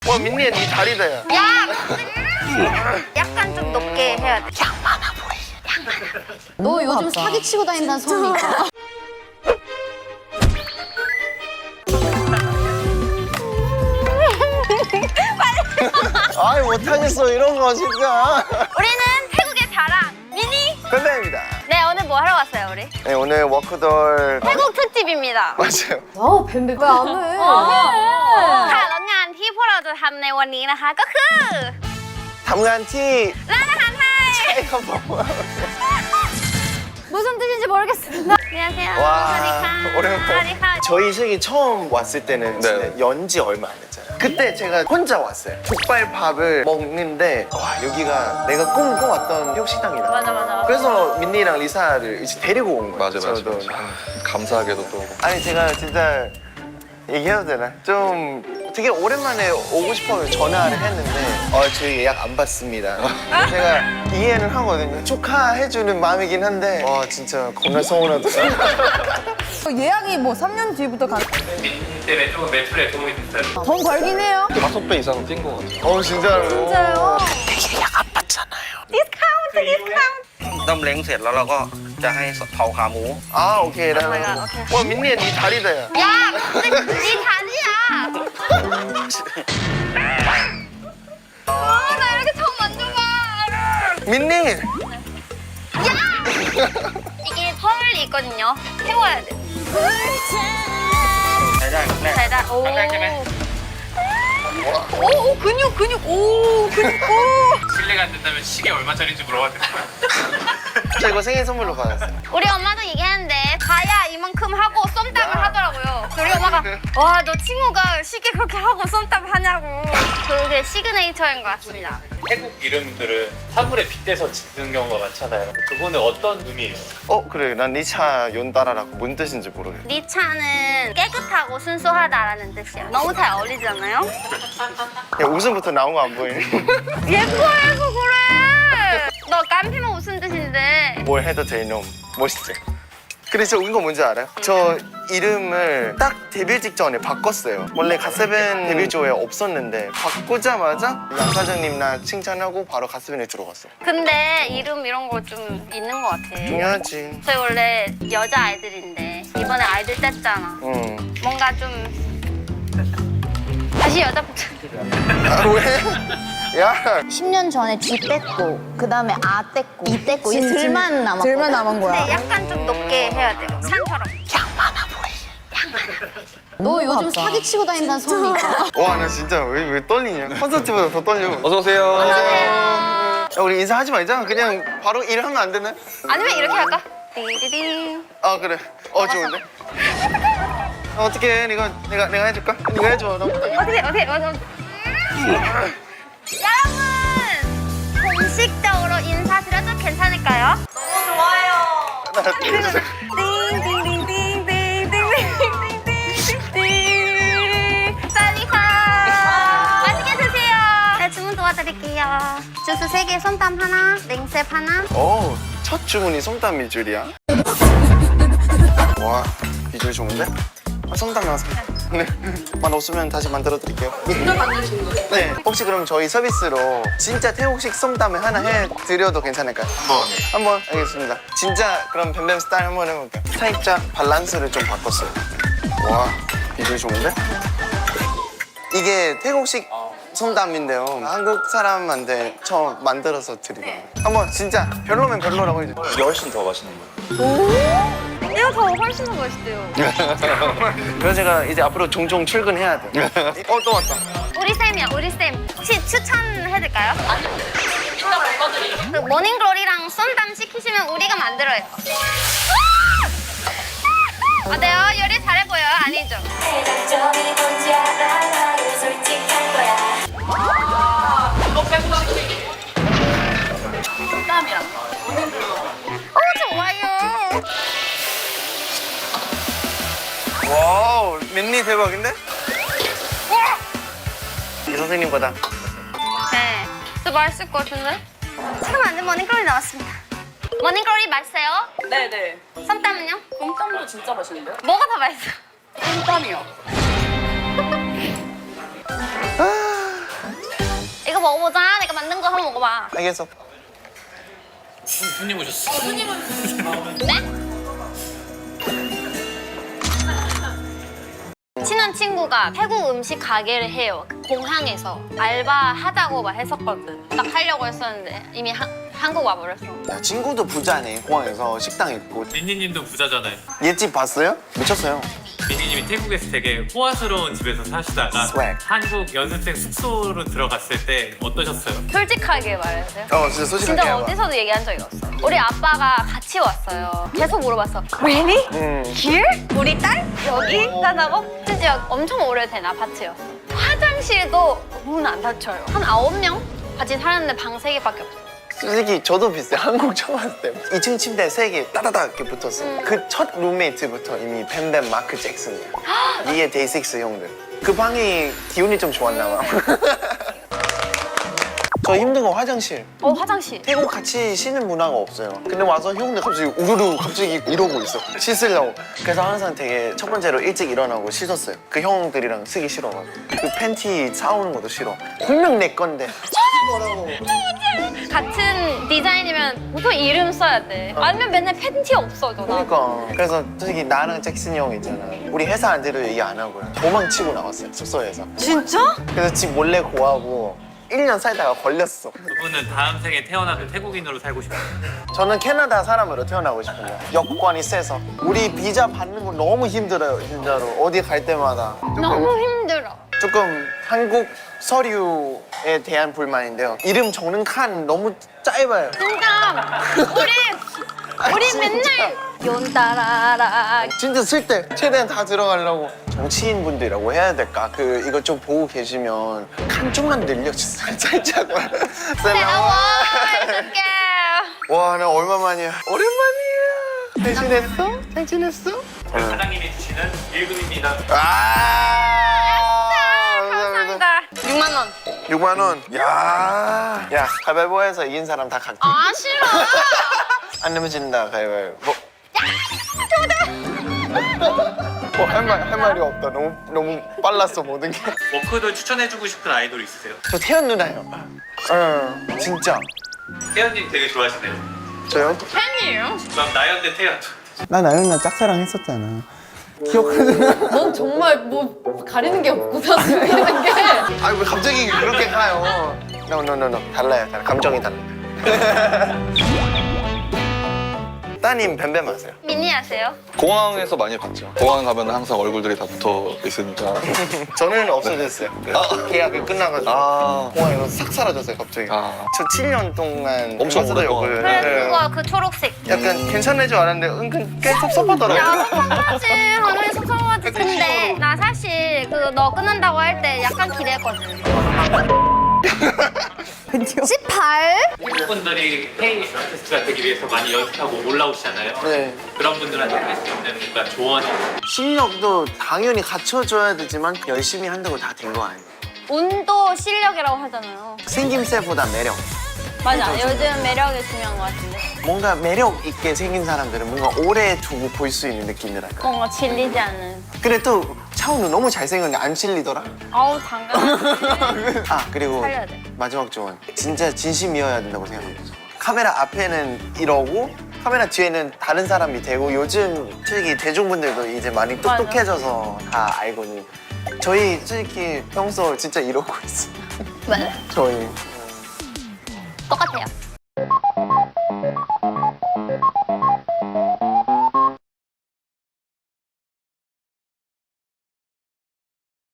와 민니야 니 다리다 야. 약간 좀 높게 해야 돼. 너 요즘 사기치고 다닌다는 소문이 있다. 아이 못하겠어 이런 거 진짜. 우리는 태국의 자랑 미니. 뱀뱀입니다. 네, 오늘 뭐 하러 왔어요 우리? 네 오늘 워크돌. 태국 특집입니다. 맞아요. 뱀뱀 왜 안 해? ค่ะแล้วงานที่พวกเราจะทำในวันนี้นะคะก็คือทำงานที่ร้านอาหารไทยใช่ครับผม 무슨 뜻인지 모르겠습니다. 안녕하세요. 와, สวัสดีค่ะ 오랜만에. สวัสดีค่ะ 저희 식이 처음 왔을 때는 진짜 네. 연지 얼마 안 됐잖아요. 그때 제가 혼자 왔어요. 족발밥을 먹는데 와 여기가 내가 꿈꿔왔던 태국 식당이다. 맞아. 그래서 민니랑 리사를 이제 데리고 온 거예요. 맞아. 저도. 감사하게도 또 아니 제가 진짜 얘기해도 되나? 좀 되게 오랜만에 오고 싶어서 전화를 했는데 저희 예약 안 받습니다. 제가 이해는 하거든요. 축하해주는 마음이긴 한데 와 진짜 겁나 서운하더라고요. 예약이 뭐 3년 뒤부터 가. 때문에 조금 매출에 도움이 됐어요. 돈 벌긴 해요. 5배 이상 뛴 것 같아요. 진짜로. 진짜요? 되게 예약 안 받잖아요. ต้มเล้งเสร็จแล้วเราก็จะให้เผาขาหมู 아 오케이 나. 와 민니야 니 다리다 야. 야, 근데 네 다리야. 나 이렇게 처음 만져봐. 민니. 이게 털이 있거든요. 태워야 돼. ใช้ได้ครั้งแรก 달달. 오. ครั้งแรกใช่ไหม 오, 근육. 오, 근육. 오. 실례가 안 된다면 시계 얼마짜리인지 물어봐도 될까요? 저 이거 생일 선물로 받았어요. 우리 엄마도 얘기했는데 가야 이만큼 하고 쏨땀을 하더라고요. 우리 엄마가 와, 너 친구가 시계 그렇게 하고 쏨땀 하냐고. 그게 시그네이처인 것 같습니다. 태국 이름들은 사물에 빗대서 짓는 경우가 많잖아요. 그거는 어떤 의미예요? 그래 난 리차 연따라라고 뭔 뜻인지 모르겠어. 네 차는 깨끗하고 순수하다라는 뜻이야. 너무 잘 어울리잖아요? 야 웃음부터 나온 거 안 보이니? 예뻐해서 그래. 너 깜피면 웃음 뜻인데. 뭘 해도 될 놈. 멋있지? 그래서 웃은 거 뭔지 알아요? 저 이름을 딱 데뷔 직전에 바꿨어요. 원래 갓세븐 데뷔 조에 없었는데 바꾸자마자 양 사장님 나 칭찬하고 바로 갓세븐에 들어갔어요. 근데 이름 이런 거 좀 있는 것 같아. 중요하지. 저희 원래 여자 아이들인데 이번에 아이들 뗐잖아. 응. 뭔가 좀 다시 여자부터. 아, 왜? 야. 10년 전에 G 뗐고, 그 다음에 A 뗐고, E 뗐고, 이제 들만 남았고. 들만 남은 근데 약간 좀 높게 해야 돼요. 산처럼. 너 요즘 사기치고 다닌다는 소문이 있다. 와 나 진짜 왜 떨리냐? 콘서트보다 더 떨려. 어서 오세요. 안녕하세요. 야, 우리 인사하지 말자. 그냥 바로 일하면 안 되나? 아니면 이렇게 할까? 띠디디. 아 그래. 좋은데. 어떻게 내가 해줄까? 네가 해줘. 나 못하겠어. 어떻게. 여러분! 공식적으로 인사드려도 괜찮을까요? 너무 좋아요. 사리카. 맛있게 드세요. 네, 주문 도와드릴게요. 주스 3개, 솜땀 하나, 냉셉 하나. 첫 주문이 솜땀 밀줄이야. 와, 비주얼 좋은데? 솜땀 나왔습니다. 네. 만 없으면 다시 만들어 드릴게요. 직접 만드신 거예요? 네. 혹시 그럼 저희 서비스로 진짜 태국식 솜땀을 하나 해드려도 괜찮을까요? 한번 알겠습니다. 진짜 그럼 뱀뱀 스타일 한번 해볼게요. 살짝 밸런스를 좀 바꿨어요. 와, 비주얼 좋은데? 이게 태국식 솜땀인데요. 한국 사람한테 처음 만들어서 드리거든요. 한번 진짜 별로면 별로라고 해주세요. 이게 훨씬 더 맛있는 거예요. 이거 더 훨씬 더 맛있대요. 그래서 제가 이제 앞으로 종종 출근해야 돼. 또 왔다. 우리 쌤이야, 우리 쌤. 혹시 추천해드릴까요? 아니요. 일단 바꿔드릴게요. 그 모닝글로리랑 쏨땀 시키시면 우리가 만들어요. 어때요? 요리 잘해 보여요? 아니죠? 이거 빼고 시킬게요. 땀이랑 모닝글로. 좋아요. 와우, 민니 대박인데? 이 선생님보다. 네, 더 맛있을 것 같은데? 처음 만든 모닝글로리 나왔습니다. 모닝글로리 맛있어요? 네네. 쏨땀은요? 곰땀도 진짜 맛있는데요? 뭐가 더 맛있어? 곰땀이요. 먹어보자. 내가 만든 거 한번 먹어봐. 알겠어. 손님 오셨어. 네? 친한 친구가 태국 음식 가게를 해요. 공항에서 알바하자고 막 했었거든. 딱 하려고 했었는데 이미 한국 와버렸어. 야, 친구도 부자네. 공항에서 식당 있고. 민니님도 부자잖아요. 옛집 봤어요? 미쳤어요. 민니님이 태국에서 되게 호화스러운 집에서 사시다가 스웩. 한국 연습생 숙소로 들어갔을 때 어떠셨어요? 솔직하게 말해주세요. 진짜 솔직하게 진짜 해봐. 어디서도 얘기한 적이 없어. 우리 아빠가 같이 왔어요. 계속 물어봤어. Really? Here? 우리 딸? 여기? 산다고? 진짜 엄청 오래된 아파트였어. 화장실도 문 안 닫혀요. 한 9명 같이 살았는데 방 3개밖에 없어. 솔직히 저도 비슷해. 한국 처음 왔을 때 2층 침대 3개 따다닥 이렇게 붙었어. 그 첫 룸메이트부터 이미 뱀뱀 마크 잭슨이야. 이게 데이식스 형들. 그 방이 기운이 좀 좋았나 봐. 저 힘든 거 화장실. 화장실. 태국 같이 쉬는 문화가 없어요. 근데 와서 형들 갑자기 우르르 갑자기 이러고 있어. 씻으려고. 그래서 항상 되게 첫 번째로 일찍 일어나고 씻었어요. 그 형들이랑 쓰기 싫어가지고. 그 팬티 사오는 것도 싫어. 분명 내 건데. 같은 디자인이면 보통 이름 써야 돼. 아니면 맨날 팬티 없어져. 나. 그러니까. 그래서 솔직히 나랑 잭슨이 형 있잖아. 우리 회사 안대로 얘기 안 하고요. 도망치고 나왔어요. 숙소에서. 진짜? 그래서 집 몰래 고하고 1년 살다가 걸렸어. 두 분은 다음 생에 태어나도 태국인으로 살고 싶어요. 저는 캐나다 사람으로 태어나고 싶어요. 여권이 세서. 우리 비자 받는 거 너무 힘들어요, 진짜로. 어디 갈 때마다. 너무 힘들어. 조금 한국 서류에 대한 불만인데요. 이름 적는 칸 너무 짧아요. 진짜 우리 진짜. 맨날 연따라라. 진짜 쓸 때 최대한 다 들어가려고. 정치인분들이라고 해야 될까? 이거 좀 보고 계시면 칸 좀만 늘려주세요. 살짝. 와 어떡해. 와, 나 얼마만이야. 오랜만이야. 대신했어? 대신했어? 사장님이 주시는 1금입니다. 감사합니다. 감사합니다. 6만 원. 6만 원. 야, 가위바위보해서 이긴 사람 다 갈게. 아 싫어. 안 내면 진다, 가위바위보. 할 말이 없다. 너무 빨랐어, 모든 게. 워크도 추천해주고 싶은 아이돌 있으세요? 저 태연 누나요. 진짜. 태연님 되게 좋아하시네요. 저요? 팬이에요. 그럼 나연 대 태연. 나 나연 누나 짝사랑 했었잖아. 기억하잖아. 넌 정말 뭐 가리는 게 없고 사실 가리는 게. 아니, 왜 갑자기 그렇게 가요? No. 달라요. 감정이 달라. 따님 뱀뱀 아세요? 미니 아세요? 공항에서 많이 봤죠. 공항 가면 항상 얼굴들이 다 붙어 있으니까. 저는 없어졌어요. 계약이 끝나가지고 공항에서 싹 사라졌어요, 갑자기. 저 7년 동안 엄청 봤어요, 오랫동안. 그걸. 그래 네. 그거 그 초록색. 약간 괜찮을 줄 알았는데 은근 꽤 섭섭하더라고요. 야 섭섭하지. 당연히 섭섭하지. 근데 나 사실 그 너 끊는다고 할 때 약간 기대했거든. 18? 태국 분들이 K 아티스트가 되기 위해서 많이 연습하고 올라오시잖아요. 네. 그런 분들한테 할 수 있는 뭔가 조언이. 실력도 당연히 갖춰줘야 되지만 열심히 한다고 다 된 거 아니에요. 운도 실력이라고 하잖아요. 생김새보다 매력. 맞아. 요즘 매력이 중요한 것 같은데. 뭔가 매력 있게 생긴 사람들은 뭔가 오래 두고 볼 수 있는 느낌이랄까. 뭔가 질리지 않는. 근데 또 차은우 너무 잘생겼는데 안 질리더라. 아우 당연하지. 그리고 살려야 돼. 마지막 조언. 진짜 진심이어야 된다고 생각합니다. 카메라 앞에는 이러고 카메라 뒤에는 다른 사람이 되고 요즘 솔직히 대중분들도 이제 많이 똑똑해져서 다 알거든요. 저희 솔직히 평소 진짜 이러고 있어요. 맞아. 저희. 똑같아요.